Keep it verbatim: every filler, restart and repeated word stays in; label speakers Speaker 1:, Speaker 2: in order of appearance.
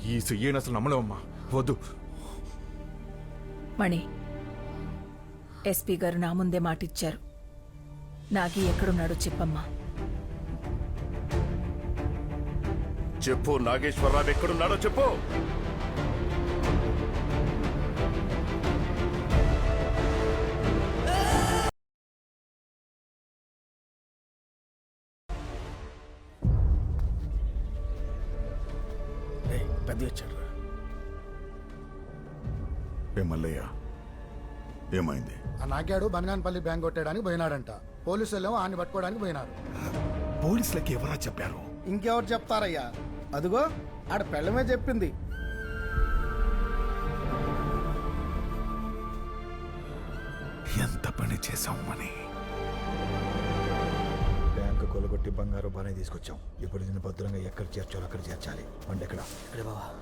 Speaker 1: ఈ సియ్యని అసలు నమ్మలేమమ్మా. వద్దు.
Speaker 2: మణి, ఎస్పీ గారు నా ముందే మాటిచ్చారు. నాగి ఎక్కడున్నాడో చెప్పమ్మా.
Speaker 3: చెప్పు, నాగేశ్వరరావు ఎక్కడున్నాడో చెప్పు.
Speaker 4: పెద్ద వచ్చాడు.
Speaker 1: ఏ మల్లయ్య, ఏమైంది?
Speaker 5: ఆ నాగాడు బనగానపల్లి బ్యాంక్ కొట్టడానికి పోయినాడంట. పోలీసులు ఏమో ఆయన పట్టుకోవడానికి పోయినారు.
Speaker 1: పోలీసులకి ఎవరా చెప్పారు?
Speaker 4: ఇంకెవరు చెప్తారయ్యా? అదిగో ఆడ పెళ్ళమే చెప్పింది.
Speaker 1: ఎంత పని చేశాం మని.
Speaker 6: బ్యాంకు కొలగొట్టి బంగారు బానే తీసుకొచ్చాం. ఇప్పుడు దీన్ని భద్రంగా ఎక్కడ చేర్చాలో అక్కడ చేర్చాలి. అంటే ఎక్కడ?